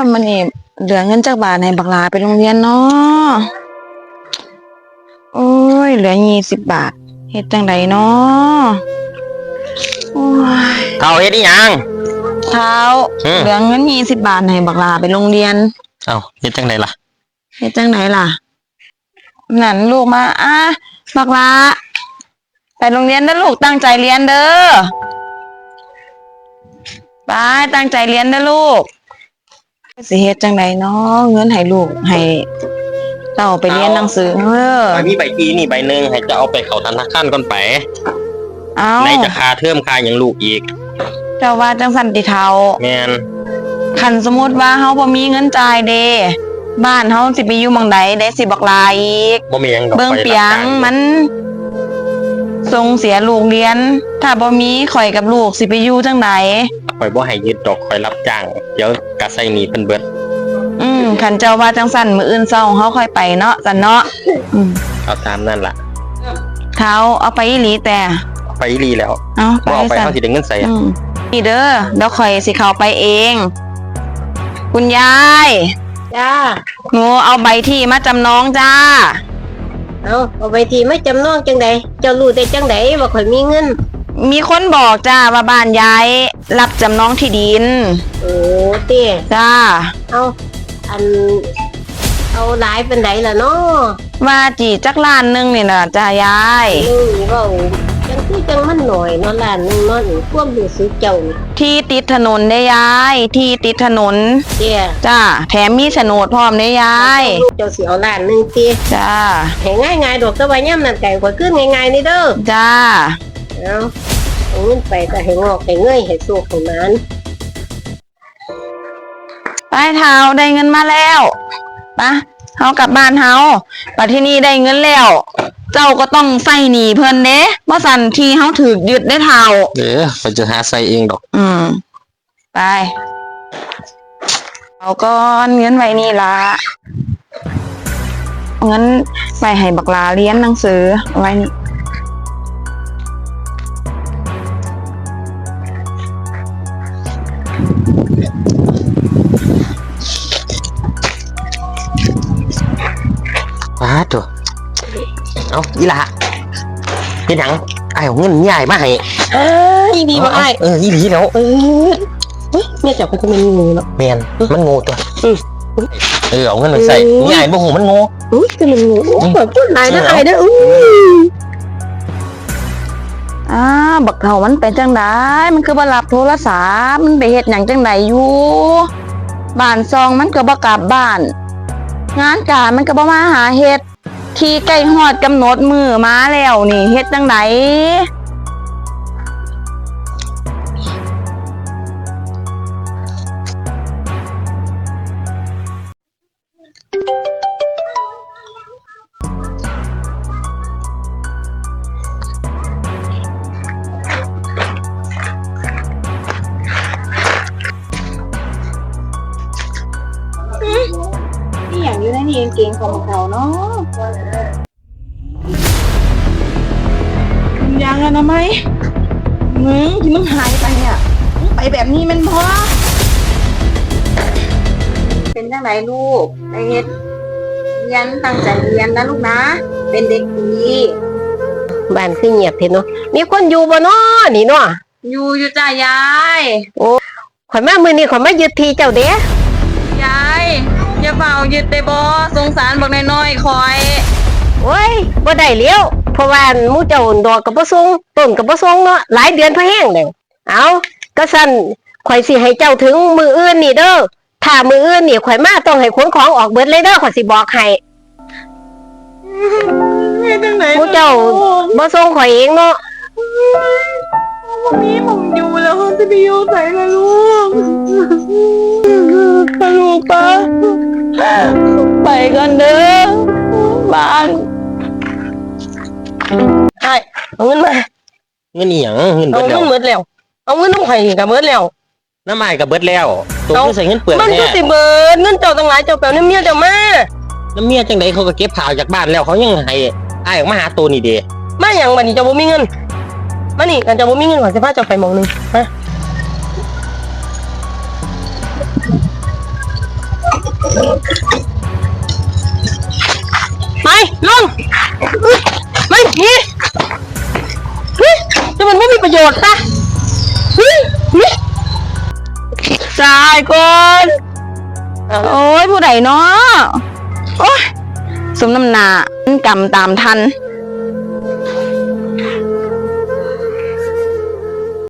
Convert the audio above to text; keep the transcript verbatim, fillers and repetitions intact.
ยมันนี่เหลือเงินจากบาทให้บักหลาไปโรงเรียนเนาะโอ้ยเหลือยี่สิบบาทเฮ็ดจังไดเนาะโอ้ยเท่าเฮ็ดอีหยังเท้าเหลือเงินยี่สิบบาทให้บักหลาไปโรงเรียนเอ้าเฮ็ดจังไดล่ะเฮ็ดจังไดล่ะนั่นลูกมาอ่ะบักหลาไปโรงเรียนเด้อลูกตั้งใจเรียนเด้อไปตั้งใจเรียนเด้อลูกสิเฮ็ดจังไดเนาะเงินให้ลูกให้เต้าไปเรียนหนังสือเด้อมีใบทีนี่ใบหนึ่งให้จะเอาไปเข้าธนาคารก่อนไปเอาในจะค่าเทอมค่าหยังลูกอีกเจ้าว่าจังซั่นติเฒ่าแม่นคันสมมุติว่าเฮาบ่มีเงินจ่ายเด้บ้านเฮาสิไปอยู่หม้องใดได้สิบักหลายอีกบ่มีหยังดอกเบิ่งเปียงมันส่งเสียลูกเรียนถ้าบ่มีข่อยกับลูกสิไปอยู่จังได๋ข่อยบ่ให้ยึดดอกข่อยรับจ้างเดี๋ยวก็ใช้หนี้เพิ่นเบิดอืมคันเจ้าว่าจังซั่นมื้ออื่นเช้าเฮาค่อยไปเนาะซั่นเนาะอืมเอาตามนั่นล่ะเฒ่าเอาไปอีหลีแต่เอาไปอีหลีแล้วเอาไปบ่เอาไปเฮาสิได้เงินใส่อืมนี่เด้อเดี๋ยวข่อยสิเข้าไปเองคุณยายจ้าหนูเอาใบที่มาจำนองจ้าเอาเอาใบที่มาจำนองจังไดเจ้ารู้ได้จังไดว่าข่อยมีเงินมีคนบอกจ้าว่าบ้านยายรับจำนองที่ดินโอ้เต้จ้าเอาอันเอาหลายเป็นไดล่ะเนาะว่าจีจักล้านนึงนี่น่ะจ้ายายนึงเว้าจังคือจังมันหน่อยเนาะล้านนึงเนาะความรู้สึกเจ้าที่ติดถนนได้ยายที่ติดถนนเต้จ้าแถมมีโฉนดพร้อมได้ยายเจ้าสิเอาล้านนึงติจ้าให้ง่ายๆดอกแต่ว่ายามนั้นไก่ข่อยคือง่ายๆนี่เด้อจ้าเอาเอาเงินไปก็ให้งอกให้เงยให้สุขให้หมานไปเฒ่าได้เงินมาแล้วปะเฮากลับบ้านเฮาบัดที่นี่ได้เงินแล้วเจ้าก็ต้องใส่หนี้เพิ่นเด้บ่สั่นที่เฮาถูกยึดได้เฒ่าเด้อไปจะหาใส่เองดอกอืมไปเอาก่อนเงินไว้นี่ล่ะงั้นไปให้บักหลาเรียนหนังสือไว้นี่ป้าตัวเอาอีหล่ะเฮ็ดหยังอ้ายเอาเงินใหญ่มาให้เอ้ยดีบ่อ้ายเอออีหลีแล้วเออเฮ้ยแม่จับมันก็มันงูเนาะแม่นมันงูตัวเออเออเอาเงินไปใส่ใหญ่บ่ฮู้มันงูอุ้ยคือมันงูแบบพูดหลายนะอ้ายเด้ออื้ออ่าบักเฒ่ามันเป็นจังได๋มันคือบ่รับโทรศัพท์มันไปเฮ็ดหยังจังได๋อยู่บ้านซองมันก็บ่กลับบ้านงานการมันก็บ่มาหาเฮ็ดที่ใกล้ฮอดกำหนดมื้อมาแล้วนี่เฮ็ดจังได๋นี่อย่างอยู่ในนี่เก่งของเขาเนาะยังอะนะไหมมึงที่มึงหายไปเนี่ยมึงไปแบบนี้มันพอเป็นจังไหนลูกไอเฮ็ดเรียนตั้งใจเรียนนะลูกนะเป็นเด็กดีบ้านคือเงียบเถอะเนาะมีคนอยู่บ่เนาะนี่เนาะอยู่อยู่จ้ายายโอ้ข่อยมามื้อนี้ข่อยมายึดที่เจ้าเด้ยายอย่าเฝ้ายึดได้บ่สงสารบักน้อยๆคอยโอ้ยบ่ได้แล้วเพราะว่าหมู่เจ้าดอกก็บ่ส่งต้นก็บ่ส่งเนาะหลายเดือนพอแห้งแล้วเอาก็ซั่นข่อยสิให้เจ้าถึงมื้ออื่นนี่เด้อถ้ามื้ออื่นนี่ข่อยมาต้องให้ขนของออกเบิดเลยเด้อข่อยสิบอกให้เฮ็ดจังได๋หมู่เจ้าบ่ส่งข่อยเองเนาะบ่มีหม่องอยู่แล้วสิไปอยู่ไสล่ะลูกปะลูกปะไปกันเด้อบ้านไอ้เอาเงินมาเงินอีหยังเงินเบิดแล้วเอาเงินเบิดแล้วเอาเงินน้ำไข่ก็เบิดแล้วน้ำไม้ก็เบิดแล้วตัวคือใส่เงินเปลือกมันก็สิเบิดเงินเจ้าตั้งหลายเจ้าแปลน้ำเมียเจ้ามาน้ำเมียจังไดเขาก็เก็บข่าวจากบ้านแล้วเขายังให้อ้ายออกมาหาตัวนี่เด้มาหยังบัดนี้เจ้าบ่มีเงินมานี่กันเจ้าบ่มีเงินขอสิพาเจ้าไปหม้องนึงมาไปลงไม่นี่เฮ้ยจะมันไม่มีประโยชน์ปะเฮ้ยนี่จ่ายก่อนโอ้ยผู้ใดเนาะโอ้ยสมน้ำหน้ามันกำตามทัน